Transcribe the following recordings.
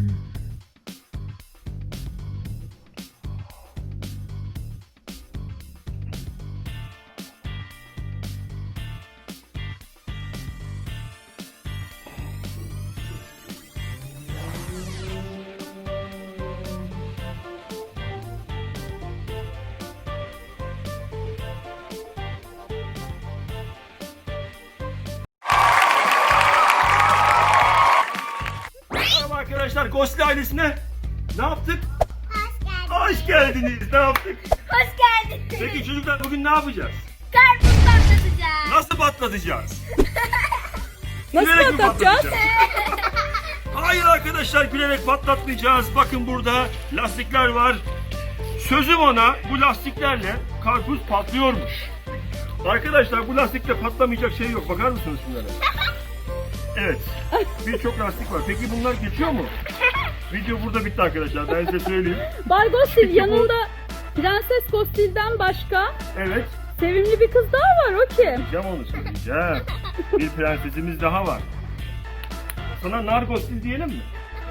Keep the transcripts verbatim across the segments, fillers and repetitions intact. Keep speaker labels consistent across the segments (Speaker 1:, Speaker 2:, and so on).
Speaker 1: Arkadaşlar Ghostly ailesine ne yaptık?
Speaker 2: Hoş geldiniz.
Speaker 1: Hoş geldiniz. Ne yaptık?
Speaker 2: Hoş geldiniz.
Speaker 1: Peki çocuklar bugün ne yapacağız?
Speaker 2: Karpuz patlatacağız.
Speaker 1: Nasıl patlatacağız?
Speaker 3: Nasıl
Speaker 1: Gülerek mi
Speaker 3: patlatacağız?
Speaker 1: Hayır arkadaşlar, gülerek patlatmayacağız. Bakın burada lastikler var. Sözüm ona, bu lastiklerle karpuz patlıyormuş. Arkadaşlar bu lastikle patlamayacak şey yok. Bakar mısınız şunlara? Evet. Birçok lastik var. Peki bunlar geçiyor mu? Video burada bitti arkadaşlar. Ben size söyleyeyim.
Speaker 3: Bay Ghostil
Speaker 1: Peki bu-
Speaker 3: yanında Prenses Ghostil'den başka
Speaker 1: Evet.
Speaker 3: sevimli bir kız daha var, o kim?
Speaker 1: Söyleyeceğim onu söyleyeceğim. Bir prensesimiz daha var. Sana nar Ghostil diyelim mi?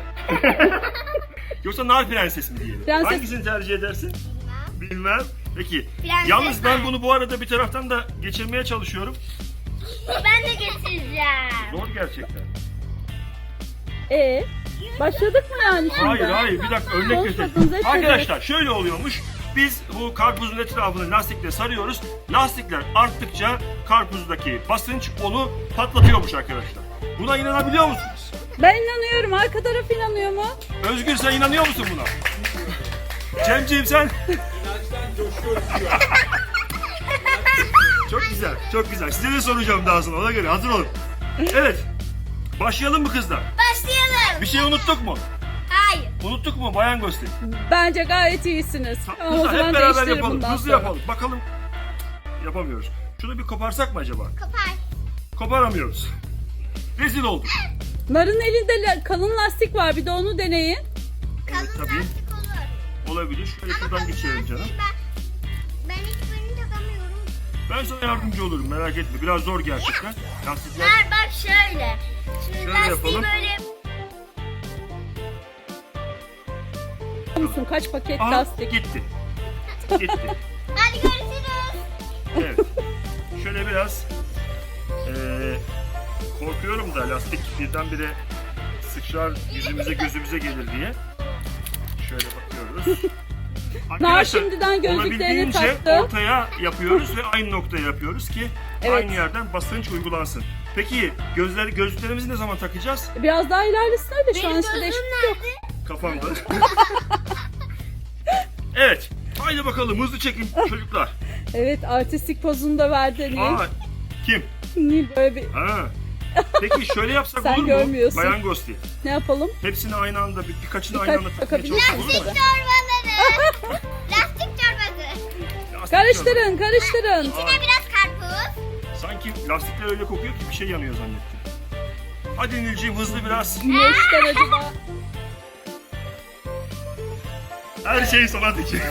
Speaker 1: Yoksa nar prenses mi diyelim?
Speaker 3: Prenses-
Speaker 1: Hangisini tercih edersin? Bilmem. Peki.
Speaker 2: Prenses
Speaker 1: Yalnız ben
Speaker 2: nar.
Speaker 1: bunu bu arada bir taraftan da geçirmeye çalışıyorum.
Speaker 2: Ben de getireceğim.
Speaker 1: Zor gerçekten.
Speaker 3: Ee, başladık mı yani şimdi?
Speaker 1: Hayır hayır, bir dakika örnek
Speaker 3: Konuşmadınız,
Speaker 1: göstereyim.
Speaker 3: hep
Speaker 1: Arkadaşlar şöyle oluyormuş. Biz bu karpuzun etrafını lastikle sarıyoruz. Lastikler arttıkça karpuzdaki basınç onu patlatıyormuş arkadaşlar. Buna inanabiliyor musunuz?
Speaker 3: Ben inanıyorum. Arka taraf inanıyor mu?
Speaker 1: Özgür, sen inanıyor musun buna? Cemciğim sen? Çok güzel, çok güzel. Size de soracağım daha sonra, ona göre hazır olun. Evet, başlayalım mı kızlar?
Speaker 2: Başlayalım.
Speaker 1: Bir şey unuttuk mu?
Speaker 2: Hayır.
Speaker 1: Unuttuk mu Bayan Ghostil?
Speaker 3: Bence gayet iyisiniz. Ama o
Speaker 1: Kızlar
Speaker 3: zaman
Speaker 1: hep beraber
Speaker 3: değiştirin
Speaker 1: yapalım,
Speaker 3: bundan
Speaker 1: hızlı
Speaker 3: sonra.
Speaker 1: yapalım. Bakalım. Yapamıyoruz. Şunu bir koparsak mı acaba?
Speaker 2: Kopar.
Speaker 1: Koparamıyoruz. Rezil olduk.
Speaker 3: Narın elinde la- kalın lastik var, bir de onu deneyin.
Speaker 1: Evet tabii.
Speaker 2: Lastik olur.
Speaker 1: Olabilir. Şöyle şuradan geçirelim canım.
Speaker 2: Ben, ben hiçbirini takamıyorum.
Speaker 1: Ben sana yardımcı olurum, merak etme. Biraz zor gerçekten. Lastikler...
Speaker 2: Ver bak şöyle. Şimdi
Speaker 1: Şöyle
Speaker 2: lastiği
Speaker 1: yapalım.
Speaker 2: böyle...
Speaker 3: Biliyor musun kaç paket
Speaker 1: Aha,
Speaker 3: lastik?
Speaker 1: gitti. Gitti.
Speaker 2: Hadi görüşürüz.
Speaker 1: Evet. Şöyle biraz eee, korkuyorum da lastik birdenbire sıçrar yüzümüze gözümüze gelir diye. Şöyle bakıyoruz.
Speaker 3: Nar şimdiden gözlüklerini
Speaker 1: olabildiğince
Speaker 3: taktı.
Speaker 1: ortaya yapıyoruz ve aynı noktaya yapıyoruz ki
Speaker 3: Evet.
Speaker 1: aynı yerden basınç uygulansın. Peki gözler gözlüklerimizi ne zaman takacağız?
Speaker 3: Biraz daha ilerlesin öyle, şu an
Speaker 2: Benim
Speaker 3: size
Speaker 2: gözüm
Speaker 3: değişiklik yok.
Speaker 2: nerede?
Speaker 1: Kafamda. Evet. Haydi bakalım hızlı çekin çocuklar.
Speaker 3: Evet, artistik pozunu da verdi Nil.
Speaker 1: Aa, kim?
Speaker 3: Nil böyle bir...
Speaker 1: Ha. Peki şöyle yapsak
Speaker 3: Sen
Speaker 1: olur mu?
Speaker 3: görmüyorsun.
Speaker 1: Bayan Ghostil.
Speaker 3: Ne yapalım?
Speaker 1: Hepsini aynı anda, bir, birkaçını
Speaker 3: Birkaç
Speaker 1: aynı anda takmaya
Speaker 3: takabilir
Speaker 1: çalışsak olur mu?
Speaker 2: Lastik torbaları. Lastik torbası.
Speaker 1: Lastik
Speaker 3: Karıştırın, karıştırın.
Speaker 2: İçine biraz karpuz.
Speaker 1: torba. Sanki lastikler öyle kokuyor ki bir şey yanıyor zannettim. Hadi Nilciğim hızlı biraz.
Speaker 3: Ne işler acaba?
Speaker 1: Her şey sanat için.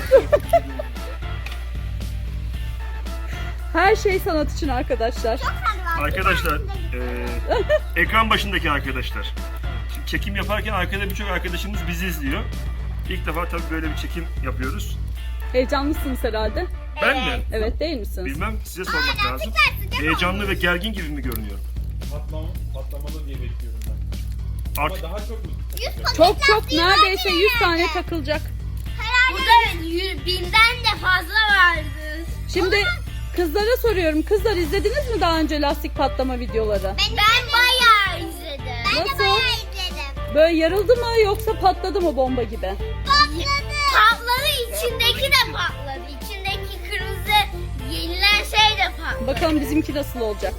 Speaker 3: Her şey sanat için arkadaşlar.
Speaker 1: Arkadaşlar, eee, ekran başındaki arkadaşlar. Şimdi çekim yaparken arkada birçok arkadaşımız bizi izliyor. İlk defa tabii böyle bir çekim yapıyoruz.
Speaker 3: Heyecanlısınız herhalde.
Speaker 1: Ben mi?
Speaker 3: Evet, değil misiniz?
Speaker 1: Bilmem, size sormak lazım. Heyecanlı ve gergin gibi mi görünüyorum?
Speaker 4: Patlama, patlamalı diye bekliyorum ben. Ama
Speaker 1: Artık
Speaker 4: daha çok mu?
Speaker 3: Çok çok, neredeyse yüz tane takılacak.
Speaker 2: Burada yüz, binden de fazla vardı.
Speaker 3: Şimdi kızlara soruyorum. Kızlar, izlediniz mi daha önce lastik patlama videoları?
Speaker 2: Ben, ben bayağı izledim. Ben
Speaker 3: Nasıl?
Speaker 2: de bayağı izledim.
Speaker 3: Böyle yarıldı mı yoksa patladı mı bomba gibi?
Speaker 2: Patladı. Patladı, içindeki de patladı. İçindeki kırmızı yenilen şey de patladı.
Speaker 3: Bakalım bizimki nasıl olacak?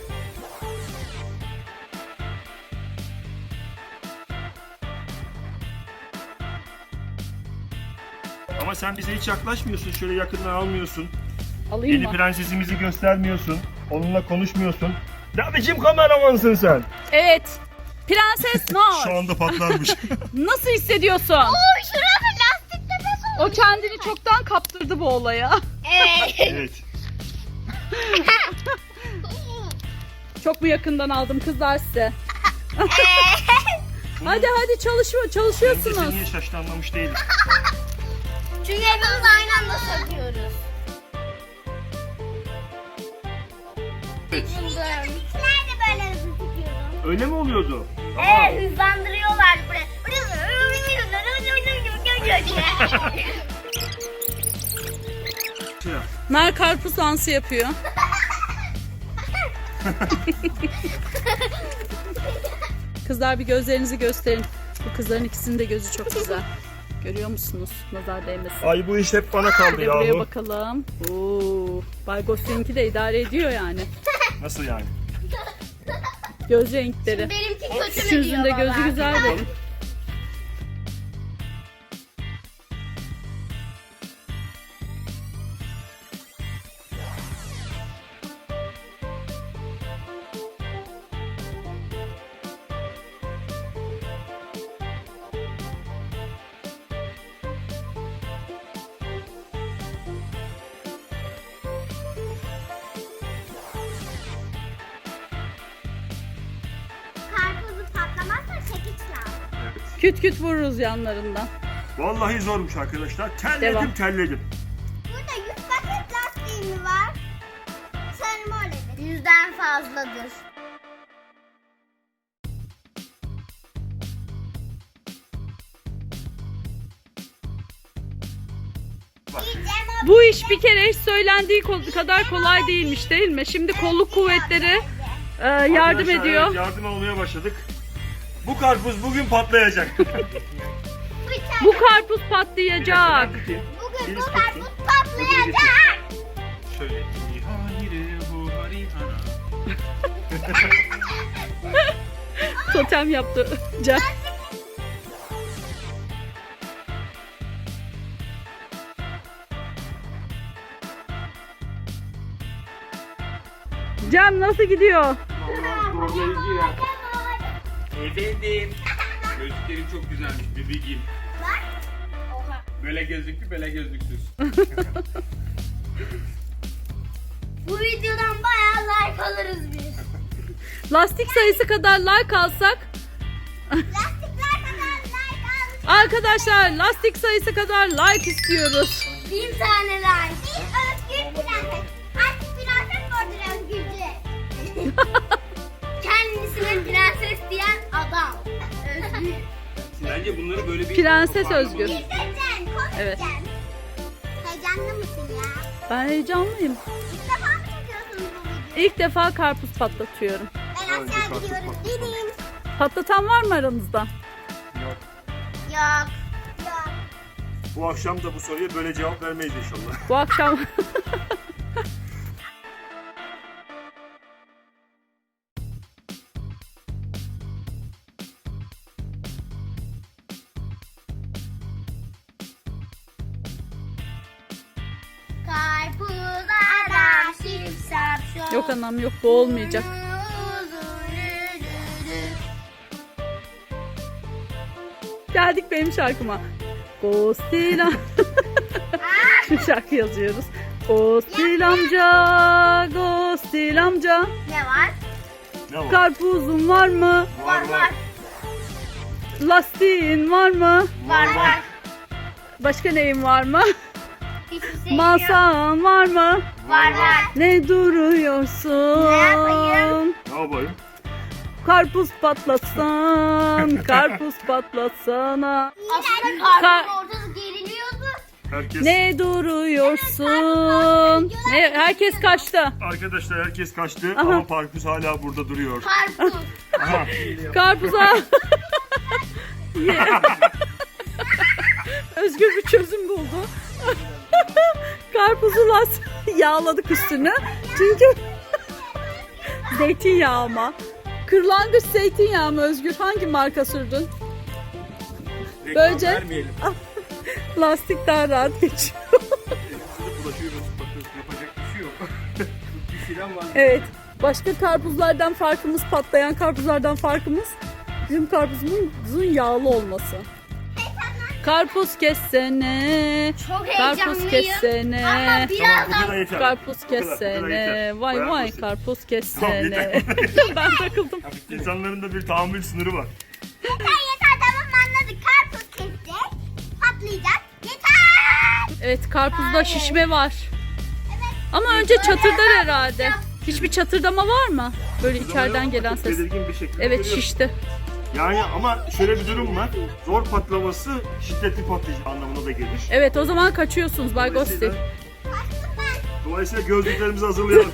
Speaker 1: ama sen bize hiç yaklaşmıyorsun, şöyle yakından almıyorsun.
Speaker 3: Alayım
Speaker 1: Yeni
Speaker 3: mı?
Speaker 1: prensesimizi göstermiyorsun, onunla konuşmuyorsun. Ne biçim kameramansın sen?
Speaker 3: Evet. Prenses
Speaker 1: Şu
Speaker 3: Nar.
Speaker 1: anda patlarmış.
Speaker 3: Nasıl hissediyorsun?
Speaker 2: Oy, şurası lastik nefes oldu.
Speaker 3: O kendini çoktan kaptırdı bu olaya.
Speaker 2: Evet.
Speaker 1: Evet.
Speaker 3: Çok mu yakından aldım kızlar size? Hadi hadi çalışma
Speaker 1: Bence
Speaker 3: çalışıyorsunuz.
Speaker 1: niye şaştı anlamış değilim.
Speaker 2: Çünkü hepimiz aynı anda söküyoruz.
Speaker 1: Evet.
Speaker 2: Bizimkiler de böyle hızlı tutuyordu.
Speaker 1: Öyle mi oluyordu?
Speaker 2: Evet, hızlandırıyorlar böyle.
Speaker 1: Şey yap.
Speaker 3: Mer karpuz dansı yapıyor. Kızlar bir gözlerinizi gösterin. Bu kızların ikisinin de gözü çok güzel. Görüyor musunuz? Nazar değmesin.
Speaker 1: Ay bu iş hep bana kaldı
Speaker 3: Bir de buraya
Speaker 1: yahu.
Speaker 3: bakalım. Oo, Bay Gosse'ninki de idare ediyor yani.
Speaker 1: Nasıl yani?
Speaker 3: Göz renkleri.
Speaker 2: Benimki kötü mü
Speaker 3: Üçünüzün
Speaker 2: diyor
Speaker 3: de
Speaker 2: baba?
Speaker 3: gözü güzel benim.
Speaker 2: Karpuzu patlamazsa çekiç lazım.
Speaker 1: Evet.
Speaker 3: Küt küt vururuz yanlarından.
Speaker 1: Vallahi zormuş arkadaşlar. Terledim
Speaker 3: Devam.
Speaker 1: terledim.
Speaker 2: Burada yüz paket lastiği mi var? Sanırım öyledir. Yüzden fazladır.
Speaker 3: Bu iş bir kere hiç söylendiği kol- kadar kolay değilmiş değil mi? Şimdi kolluk kuvvetleri e, yardım
Speaker 1: Arkadaşlar,
Speaker 3: ediyor.
Speaker 1: Evet, yardım almaya başladık. Bu karpuz bugün patlayacak.
Speaker 3: Bu karpuz patlayacak.
Speaker 2: Bugün
Speaker 1: Birisi
Speaker 2: bu
Speaker 1: tutsun.
Speaker 2: karpuz patlayacak.
Speaker 1: Şöyle.
Speaker 3: Totem yaptı. Can. Can nasıl gidiyor?
Speaker 4: Efendim. Gözlüklerin çok güzelmiş bebeğim.
Speaker 2: Bak. Oha.
Speaker 4: Böyle gözlüklü böyle gözlüksüz.
Speaker 2: Bu videodan bayağı like alırız biz.
Speaker 3: Lastik sayısı kadar like alsak.
Speaker 2: Lastikler kadar like al.
Speaker 3: Arkadaşlar lastik sayısı kadar like istiyoruz.
Speaker 2: Bin tane like. Bir özgür prenses. Artık prenses vardır özgürce. Kendisine prenses diyen adam. Özgür.
Speaker 4: Bence bunları böyle bir...
Speaker 3: Prenses Özgür.
Speaker 2: İzleyeceksin, konuşacaksın.
Speaker 3: Evet.
Speaker 2: Heyecanlı mısın ya?
Speaker 3: Ben heyecanlıyım.
Speaker 2: İlk defa mı çekiyorsun bu videoyu?
Speaker 3: İlk defa karpuz patlatıyorum.
Speaker 2: Ben
Speaker 1: Önce
Speaker 2: aşağı
Speaker 1: karpuz
Speaker 2: gidiyorum.
Speaker 1: patlatalım.
Speaker 2: Gidin.
Speaker 3: Patlatan var mı aranızda?
Speaker 1: Yok.
Speaker 2: Yok. Yok.
Speaker 1: Bu akşam da bu soruya böyle cevap vermeyiz inşallah.
Speaker 3: Bu akşam
Speaker 2: Karpuz adam şip şap şop.
Speaker 3: yok anam yok bu olmayacak.
Speaker 2: Uzun yürüdü.
Speaker 3: Geldik benim şarkıma. Gostil am- Şu şarkı yazıyoruz. Gostil amca, Gostil amca.
Speaker 2: Ne var?
Speaker 1: Ne var?
Speaker 3: Karpuzun var mı?
Speaker 2: Var var.
Speaker 3: Lastiğin var mı?
Speaker 2: Var var.
Speaker 3: Başka neyin var mı?
Speaker 2: Hiçbir şey yok.
Speaker 3: Masan var mı?
Speaker 2: Var var.
Speaker 3: Ne duruyorsun?
Speaker 2: Ne yapayım?
Speaker 1: Ne yapayım?
Speaker 3: Karpuz patlatsan, karpuz patlatsana.
Speaker 2: Aslında
Speaker 3: Kar-
Speaker 2: karpuzun ortası geriliyordu.
Speaker 1: Herkes...
Speaker 3: Ne duruyorsun? Ne, herkes kaçtı.
Speaker 1: Arkadaşlar herkes kaçtı
Speaker 3: Aha.
Speaker 1: ama karpuz hala burada duruyor.
Speaker 2: Karpuz.
Speaker 1: Aha.
Speaker 3: Karpuza. Ye. Özgür bir çözüm buldu. Karpuzu las yağladık üstüne. Çünkü zeytinyağı ama. Kırlangıç zeytinyağı mı Özgür? Hangi marka sürdün? Böylece
Speaker 4: Vermeyelim.
Speaker 3: lastik daha rahat geçiyor.
Speaker 4: Elimizi bulaşıyoruz. Bakıyoruz. Yapacak bir şey yok. Bir filan var.
Speaker 3: Evet. Başka karpuzlardan farkımız, patlayan karpuzlardan farkımız bizim karpuzumuzun yağlı olması. Karpuz kessene.
Speaker 2: Çok
Speaker 3: Karpuz
Speaker 2: heyecanlıyım.
Speaker 3: kessene.
Speaker 2: Ama
Speaker 1: Tamam bu
Speaker 2: birazdan
Speaker 1: kadar yeter.
Speaker 3: Karpuz
Speaker 1: Bu kadar, bu kadar
Speaker 3: kessene.
Speaker 1: yeter.
Speaker 3: Vay
Speaker 1: Bayağı
Speaker 3: vay
Speaker 1: basit.
Speaker 3: karpuz
Speaker 1: Tamam,
Speaker 3: kessene.
Speaker 1: yeter.
Speaker 3: Ben takıldım.
Speaker 1: İnsanların da bir tahammül sınırı var.
Speaker 2: yeter
Speaker 3: Evet, karpuzda şişme var. Ama önce çatırdar herhalde. Hiçbir çatırdama var mı? Böyle içeriden gelen ses.
Speaker 1: Belirgin bir şekilde
Speaker 3: Evet,
Speaker 1: görüyoruz.
Speaker 3: şişti.
Speaker 1: Yani ama şöyle bir durum var. Zor patlaması şiddetli patlayıcı anlamına da gelir.
Speaker 3: Evet, o zaman kaçıyorsunuz Bay Gosti.
Speaker 1: Dolayısıyla, dolayısıyla gözlüklerimizi hazırlayalım.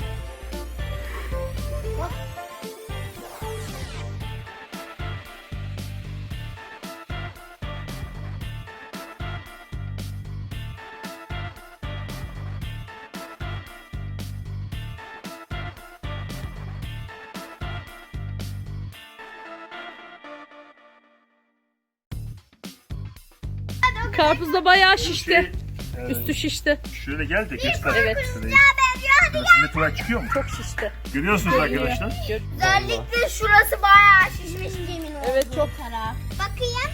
Speaker 3: Karpuzda bayağı şişti.
Speaker 1: Şey, e,
Speaker 3: Üstü şişti.
Speaker 1: Şöyle gel de göster.
Speaker 3: Evet.
Speaker 1: Şurayı. Şurasında tuvalet çıkıyor mu?
Speaker 3: Çok şişti.
Speaker 1: Görüyorsunuz arkadaşlar.
Speaker 3: Gör-
Speaker 2: Özellikle şurası bayağı şişmiş Cem'in olduğu
Speaker 3: Evet, çok.
Speaker 2: taraf. Bakayım.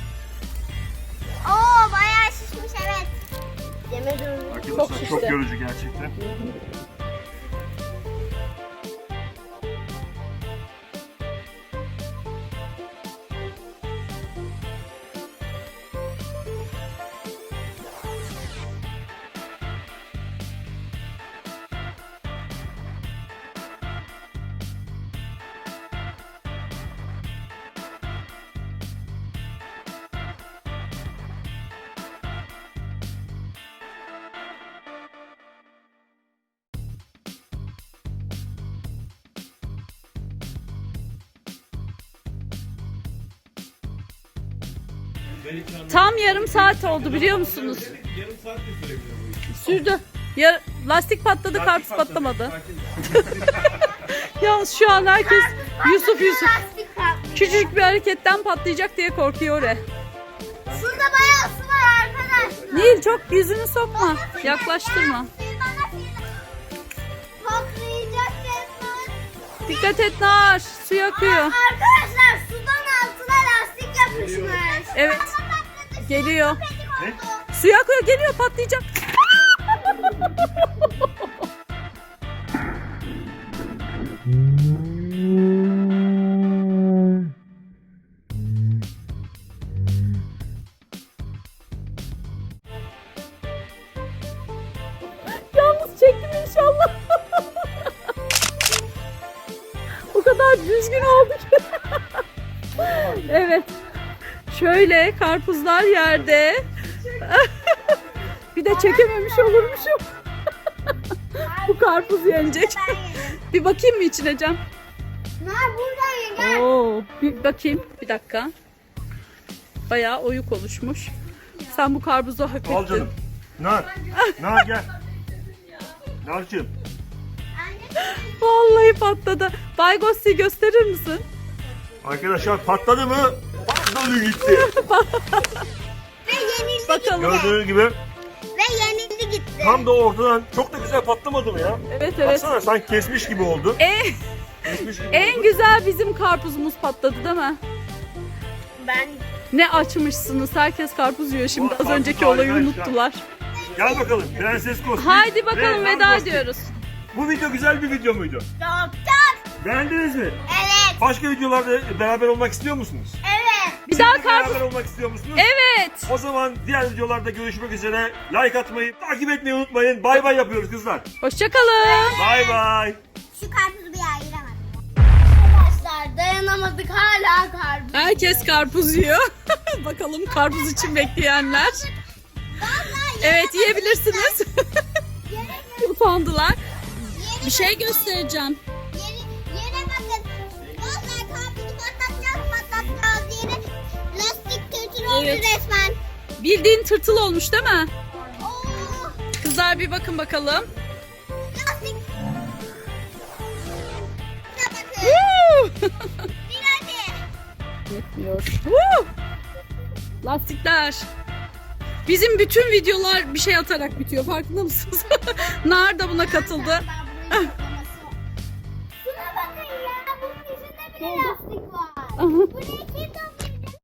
Speaker 2: Oo bayağı şişmiş evet. Cem'e dönüyor.
Speaker 1: Arkadaşlar
Speaker 3: şişti.
Speaker 1: çok yorucu gerçekten.
Speaker 3: Tam yarım saat oldu biliyor musunuz?
Speaker 4: Yarım saat de sürebilir bu iş.
Speaker 3: Sürdü. Ya, lastik patladı, karpuz patlamadı. Yalnız şu an herkes Yusuf Yusuf.
Speaker 2: Lastik patlıyor.
Speaker 3: Küçücük bir hareketten patlayacak diye korkuyor oraya.
Speaker 2: Şurada bayağı su var arkadaşlar.
Speaker 3: Nil, çok yüzünü sokma. Yaklaştırma.
Speaker 2: Patlayacak resmen.
Speaker 3: Dikkat et Nar. Su akıyor.
Speaker 2: Arkadaşlar sudan altına lastik yapışmış.
Speaker 3: Evet. Geliyor.
Speaker 1: Ne?
Speaker 3: Su akıyor, geliyor, patlayacak. Yalnız çektim inşallah. O kadar düzgün oldu ki. Evet. Şöyle karpuzlar yerde. Bir de çekememiş olurmuşum. Bu karpuz yenecek. Bir bakayım mı içine Cem?
Speaker 2: Nar buradan gel.
Speaker 3: Oo, bir bakayım. Bir dakika. Bayağı oyuk oluşmuş. Sen bu karpuzu hak ettin.
Speaker 1: Al canım. Nar. Nar gel. Narcığım.
Speaker 3: Vallahi patladı. Bay Gosti gösterir misin?
Speaker 1: Arkadaşlar patladı mı? Patladı gitti.
Speaker 2: Ve yenildi
Speaker 3: Bakalım.
Speaker 1: Gördüğünüz gibi
Speaker 2: Ve yenildi gitti.
Speaker 1: tam da ortadan çok da güzel patlamadı mı ya?
Speaker 3: Evet evet.
Speaker 1: Baksana sanki kesmiş gibi oldu.
Speaker 3: En,
Speaker 1: Kesmiş gibi
Speaker 3: en
Speaker 1: oldu.
Speaker 3: güzel bizim karpuzumuz patladı değil mi?
Speaker 2: Ben
Speaker 3: Ne açmışsınız. Herkes karpuz yiyor şimdi.
Speaker 1: Bu
Speaker 3: Az
Speaker 1: karpuz
Speaker 3: önceki olayı
Speaker 1: harika
Speaker 3: unuttular.
Speaker 1: Gel bakalım Prenses Kosti.
Speaker 3: Haydi bakalım,
Speaker 1: ve Nar
Speaker 3: veda
Speaker 1: Kosti.
Speaker 3: ediyoruz.
Speaker 1: Bu video güzel bir video muydu?
Speaker 2: doktor.
Speaker 1: Beğendiniz mi?
Speaker 2: Evet.
Speaker 1: Başka videolarda beraber olmak istiyor musunuz?
Speaker 2: Evet.
Speaker 3: Bir daha
Speaker 1: Siz de
Speaker 3: karpuz.
Speaker 1: beraber olmak istiyor musunuz?
Speaker 3: Evet.
Speaker 1: O zaman diğer videolarda görüşmek üzere. Like atmayı, takip etmeyi unutmayın. Bay bay yapıyoruz kızlar.
Speaker 3: Hoşçakalın.
Speaker 1: Bay bay.
Speaker 2: Şu karpuzu bir ayıramadım. Arkadaşlar dayanamadık hala karpuz.
Speaker 3: Herkes karpuz yiyor. Bakalım karpuz için bekleyenler.
Speaker 2: Vallahi
Speaker 3: Evet, yiyebilirsiniz.
Speaker 2: yere,
Speaker 3: Utandılar.
Speaker 2: yere,
Speaker 3: Bir şey göstereceğim.
Speaker 2: yere, yere bakın. Vallahi karpuzu patlatacağız patlatacağız yere. Lastik kötü oldu
Speaker 3: Evet.
Speaker 2: resmen.
Speaker 3: Bildiğin tırtıl olmuş değil mi?
Speaker 2: Oo,
Speaker 3: Kızlar bir bakın bakalım.
Speaker 2: lastik. Şuna bakın.
Speaker 3: Woo!
Speaker 2: Bir hadi.
Speaker 3: Yetmiyor. Woo! Lastikler. Bizim bütün videolar bir şey atarak bitiyor. Farkında mısınız? Nar da buna katıldı.
Speaker 2: Ben bunun yoklaması var. Şuna bakın ya. Bunun yüzünde bile lastik var.
Speaker 3: Aha.
Speaker 2: Bu ne kim